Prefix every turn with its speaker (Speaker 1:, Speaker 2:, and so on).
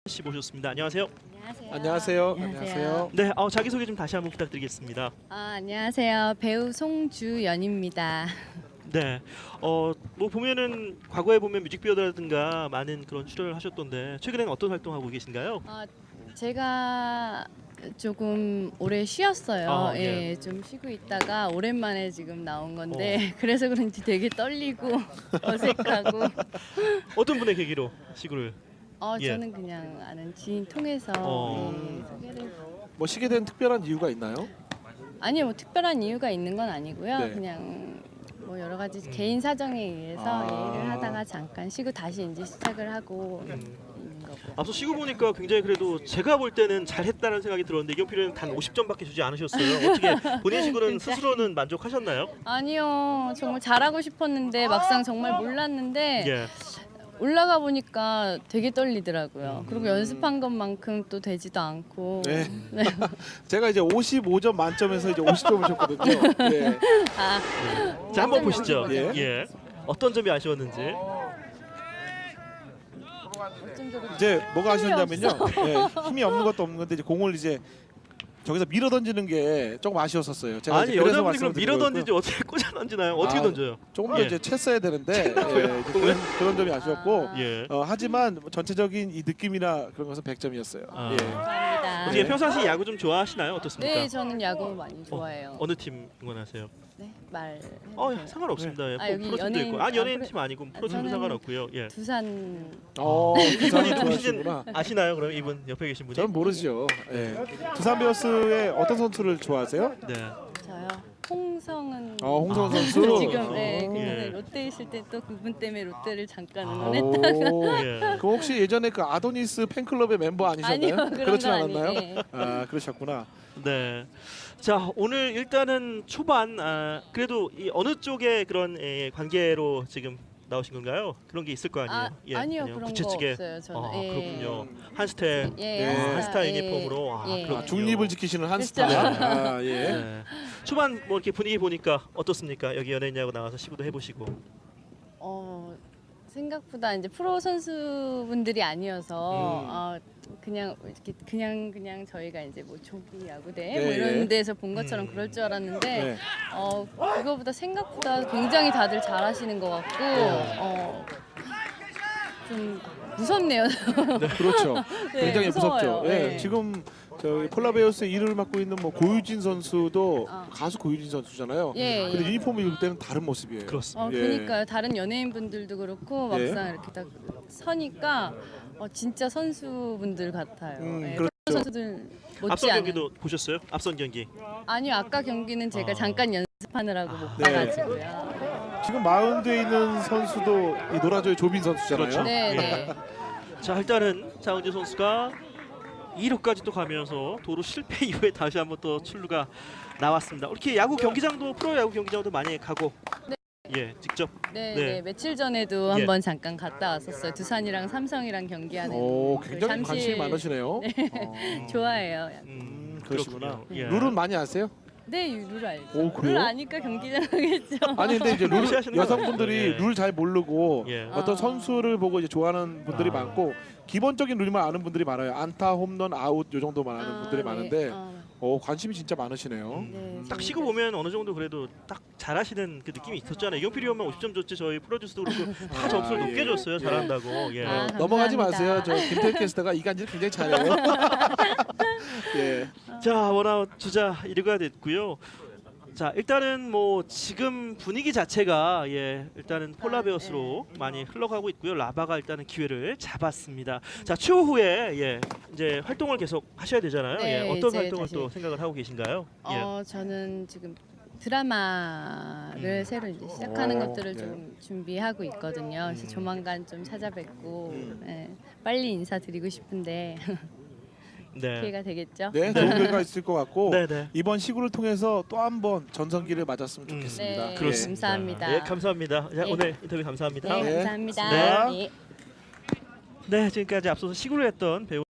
Speaker 1: 씨 모셨습니다. 안녕하세요.
Speaker 2: 안녕하세요.
Speaker 3: 안녕하세요.
Speaker 1: 네, 자기소개 좀 다시 한번 부탁드리겠습니다.
Speaker 3: 안녕하세요. 배우 송주연입니다.
Speaker 1: 네, 뭐 보면은 과거에 보면 뮤직비디오라든가 많은 그런 출연을 하셨던데 최근에는 어떤 활동하고 계신가요?
Speaker 3: 제가 조금 오래 쉬었어요.
Speaker 1: 네.
Speaker 3: 예, 좀 쉬고 있다가 오랜만에 지금 나온 건데 그래서 그런지 되게 떨리고 어색하고.
Speaker 1: 어떤 분의 계기로 시구를? 예.
Speaker 3: 저는 그냥 아는 지인 통해서 소개를.
Speaker 2: 뭐 쉬게 된 특별한 이유가 있나요?
Speaker 3: 아니요, 뭐 특별한 이유가 있는 건 아니고요.
Speaker 2: 네.
Speaker 3: 그냥 뭐 여러 가지 개인 사정에 의해서 일을 하다가 잠깐 쉬고 다시 이제 시작을 하고 있는 거고요.
Speaker 1: 앞서 시구 보니까 굉장히 그래도 제가 볼 때는 잘했다는 생각이 들었는데 이경필은 단 50점밖에 주지 않으셨어요. 어떻게 본인 시구는 스스로는 만족하셨나요?
Speaker 3: 아니요, 정말 잘하고 싶었는데 막상 정말 몰랐는데
Speaker 1: 예.
Speaker 3: 올라가 보니까 되게 떨리더라고요. 그리고 연습한 것만큼 또 되지도 않고.
Speaker 2: 네.
Speaker 3: 네.
Speaker 2: 제가 이제 55점 만점에서 이제 50점을 줬거든요. 예.
Speaker 1: 자, 한번 보시죠.
Speaker 2: 예.
Speaker 1: 예. 어떤 점이 아쉬웠는지.
Speaker 3: 어쩜
Speaker 2: 이제 뭐가
Speaker 3: 힘이
Speaker 2: 아쉬웠냐면요. 예, 힘이 없는 것도 없는 건데 이제 공을 이제 저기서 밀어 던지는 게 조금 아쉬웠었어요. 제가
Speaker 1: 아니
Speaker 2: 이제 그래서
Speaker 1: 여자분이 그럼
Speaker 2: 말씀을
Speaker 1: 밀어
Speaker 2: 드린
Speaker 1: 던지지 어떻게 꽂아 던지나요? 어떻게
Speaker 2: 아,
Speaker 1: 던져요?
Speaker 2: 조금 더
Speaker 1: 예.
Speaker 2: 이제 챘어야 되는데 이제 그런 점이 아쉬웠고
Speaker 1: 예.
Speaker 2: 하지만 전체적인 이 느낌이나 그런 것은 100점이었어요.
Speaker 1: 아.
Speaker 2: 예.
Speaker 3: 감사합니다.
Speaker 1: 어떻게
Speaker 2: 네.
Speaker 1: 평상시 야구 좀 좋아하시나요? 어떻습니까?
Speaker 3: 네, 저는 야구 많이 좋아해요.
Speaker 1: 어느 팀 응원하세요?
Speaker 3: 네, 말.
Speaker 1: 상관없습니다. 예.
Speaker 3: 여기
Speaker 1: 프로팀도
Speaker 3: 연예인-
Speaker 1: 있고. 연예인 팀 아니고 프로팀도
Speaker 3: 저는
Speaker 1: 상관없고요. 예.
Speaker 3: 두산.
Speaker 2: 두산이
Speaker 1: 이분
Speaker 2: 좋아하시구나.
Speaker 1: 아시나요? 그럼 이분 옆에 계신 분이?
Speaker 2: 저는 모르죠. 예. 두산 베어스의 어떤 선수를 좋아하세요?
Speaker 1: 네.
Speaker 3: 저요. 홍성은.
Speaker 2: 홍성은 선수.
Speaker 3: 지금
Speaker 1: 예.
Speaker 3: 롯데 있을 때 또 그분 때문에 롯데를 잠깐
Speaker 2: 오.
Speaker 3: 응원했다가.
Speaker 1: 예.
Speaker 2: 그 혹시 예전에 그 아도니스 팬클럽의 멤버 아니셨나요?
Speaker 3: 아니요, 그런
Speaker 2: 그렇진
Speaker 3: 건
Speaker 2: 않았나요?
Speaker 3: 아니에요.
Speaker 2: 그러셨구나.
Speaker 1: 네. 자, 오늘 일단은 초반 그래도 이 어느 쪽의 그런 관계로 지금 나오신 건가요? 그런 게 있을 거 아니에요?
Speaker 3: 아니요, 그런 거
Speaker 1: 부채찌개.
Speaker 3: 없어요. 저는. 예.
Speaker 1: 그렇군요. 한스텔.
Speaker 3: 예,
Speaker 1: 한스타
Speaker 3: 예,
Speaker 1: 유니폼으로.
Speaker 3: 예.
Speaker 1: 그렇군요.
Speaker 2: 중립을 지키시는 한스타.
Speaker 3: 그렇죠.
Speaker 2: 예.
Speaker 1: 네. 초반 뭐 이렇게 분위기 보니까 어떻습니까? 여기 연예인야구 나와서 시구도 해보시고.
Speaker 3: 생각보다 이제 프로 선수분들이 아니어서 그냥 이렇게 그냥 저희가 이제 뭐 조기 야구대
Speaker 2: 네,
Speaker 3: 뭐 이런
Speaker 2: 예.
Speaker 3: 데서 본 것처럼 그럴 줄 알았는데
Speaker 2: 네.
Speaker 3: 그거보다 생각보다 굉장히 다들 잘하시는 것 같고 좀 무섭네요.
Speaker 2: 그렇죠.
Speaker 3: 네,
Speaker 2: 굉장히
Speaker 3: 무서워요.
Speaker 2: 무섭죠. 예.
Speaker 3: 네.
Speaker 2: 지금 저희 폴라베어스의 이름을 맡고 있는 뭐 고유진 선수도 가수 고유진 선수잖아요.
Speaker 3: 예,
Speaker 2: 근데
Speaker 3: 예.
Speaker 2: 유니폼을 입을 때는 다른 모습이에요.
Speaker 1: 그렇습니다.
Speaker 2: 예.
Speaker 3: 그러니까요. 다른 연예인분들도 그렇고
Speaker 2: 예.
Speaker 3: 막상 이렇게 딱 서니까 진짜 선수분들 같아요. 예,
Speaker 2: 그렇죠.
Speaker 3: 프로 선수들
Speaker 1: 앞선
Speaker 3: 못지않은.
Speaker 1: 경기도 보셨어요? 앞선 경기.
Speaker 3: 아니요, 아까 경기는 제가 잠깐 연습하느라고 못
Speaker 2: 네.
Speaker 3: 봐가지고요.
Speaker 2: 지금 마운드에 있는 선수도 이 노라조의 조빈 선수잖아요.
Speaker 1: 그렇죠.
Speaker 3: 네,
Speaker 1: 예.
Speaker 3: 네.
Speaker 1: 자, 일단은 장은지 선수가 2루까지 또 가면서 도루 실패 이후에 다시 한번 또 출루가 나왔습니다. 이렇게 야구 경기장도 프로 야구 경기장도 많이 가고. 예, 직접.
Speaker 3: 네,
Speaker 1: 네.
Speaker 3: 네. 며칠 전에도
Speaker 1: 예.
Speaker 3: 한번 잠깐 갔다 왔었어요. 두산이랑 삼성이랑 경기하는.
Speaker 2: 오,
Speaker 3: 그
Speaker 2: 굉장히
Speaker 3: 잠실-
Speaker 2: 관심이 많으시네요.
Speaker 3: 좋아해요.
Speaker 2: 그러시구나.
Speaker 1: 그렇군요. 예.
Speaker 2: 룰은 많이 아세요?
Speaker 3: 네, 룰 알죠.
Speaker 2: 오, 그래요?
Speaker 3: 룰 아니까 경기장 하겠죠.
Speaker 2: 아니 근데 이제 룰
Speaker 1: 무시하시는 건
Speaker 2: 여성분들이
Speaker 1: 아니죠. 예.
Speaker 2: 룰 잘 모르고
Speaker 1: 예.
Speaker 2: 어떤 선수를 보고 이제 좋아하는 분들이 많고 기본적인 룰만 아는 분들이 많아요. 안타, 홈런, 아웃 요 정도만 아는 분들이 많은데 관심이 진짜 많으시네요.
Speaker 3: 네,
Speaker 1: 딱 쉬고 보면 어느 정도 그래도 딱 잘하시는 그 느낌이 있었잖아요. 이경필이 형만 50점 줬지 저희 프로듀스도 그렇고 다 점수를 높게
Speaker 2: 예.
Speaker 1: 줬어요. 잘한다고. 예.
Speaker 2: 넘어가지
Speaker 3: 감사합니다.
Speaker 2: 마세요. 저 김태현 캐스터가 이간질 굉장히 잘해요. 예.
Speaker 1: 자, 원아웃 주자 1루가 됐고요. 자, 일단은 뭐 지금 분위기 자체가 일단은 폴라베어스로 많이 흘러가고 있고요. 라바가 일단은 기회를 잡았습니다. 자, 추후에 이제 활동을 계속 하셔야 되잖아요.
Speaker 3: 네,
Speaker 1: 어떤
Speaker 3: 이제
Speaker 1: 활동을
Speaker 3: 다시.
Speaker 1: 또 생각을 하고 계신가요?
Speaker 3: 저는 지금 드라마를 새로 이제 시작하는
Speaker 2: 오,
Speaker 3: 것들을
Speaker 2: 네.
Speaker 3: 좀 준비하고 있거든요. 그래서 조만간 좀 찾아뵙고 빨리 인사드리고 싶은데
Speaker 1: 네.
Speaker 3: 기회가 되겠죠.
Speaker 2: 네, 좋은 결과 있을 것 같고
Speaker 1: 네.
Speaker 2: 이번 시구를 통해서 또 한 번 전성기를 맞았으면 좋겠습니다.
Speaker 3: 네,
Speaker 1: 그렇습니다.
Speaker 3: 감사합니다.
Speaker 1: 예, 감사합니다. 자,
Speaker 3: 네.
Speaker 1: 오늘 인터뷰 감사합니다.
Speaker 3: 네,
Speaker 2: 네,
Speaker 3: 감사합니다.
Speaker 2: 고맙습니다.
Speaker 3: 네.
Speaker 1: 네, 지금까지 앞서서 시구를 했던 배우